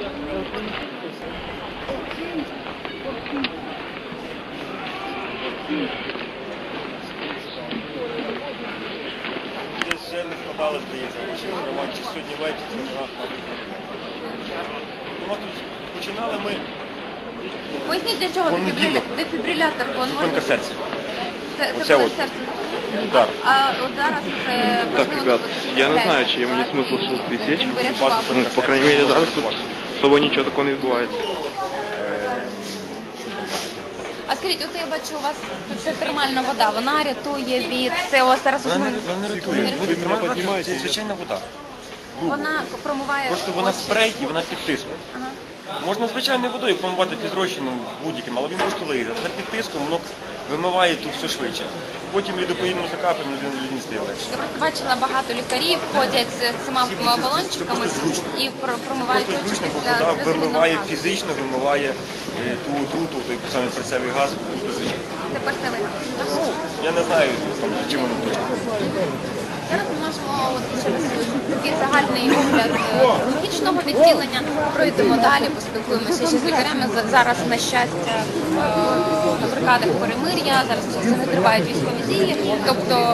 Десь вже не складали, здається, чи сьогодні ввечері, чи завтра. Починали ми... Поясніть, для чого дефібрилятор? Зупинка серця. Це коли серце? Так. А от зараз це Так, важливо... ребят, я не знаю, чи мені смисл щось присечь. Вирятував. Ну, по крайней мере, зараз тут особо нічого такого не відбувається. А скажіть, от я бачу, у вас тут ще термальна вода, вона рятує від СО, зараз Вона не рятує. Це звичайна вода. вона промиває... Просто вона спрей і вона під тиском. Ага. Можна звичайною водою промивати під розчином будь-яким, але він просто лиє. Це під тиском, воно вимиває тут все швидше. Потім лідопоїдним закапаємо, людині стає легше. Я просто бачила, багато лікарів ходять з цими балончиками і промивають Просто очі зручно, бо після вода вимиває газу. фізично, вимиває ту отруту, той самий серцевий газ. Тепер це ви. Я не знаю, там, чим воно точно. Зараз ми можемо от, через такий загальний огляд хірургічного відділення. Пройдемо далі, поспілкуємося ще з лікарями. Зараз, на щастя, на бригадах перемир'я, зараз не тривають військові дії. Тобто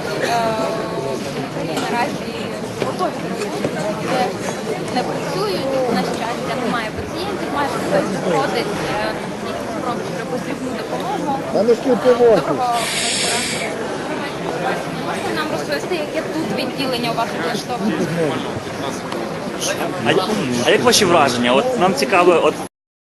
наразі готові не працюють, на щастя, немає пацієнтів, майже хтось приходить, якісь просять потрібну допомогу. Доброго вечора. Можете нам розповісти, яке тут відділення у вас влаштоване? А як ваші враження? От нам цікаво, от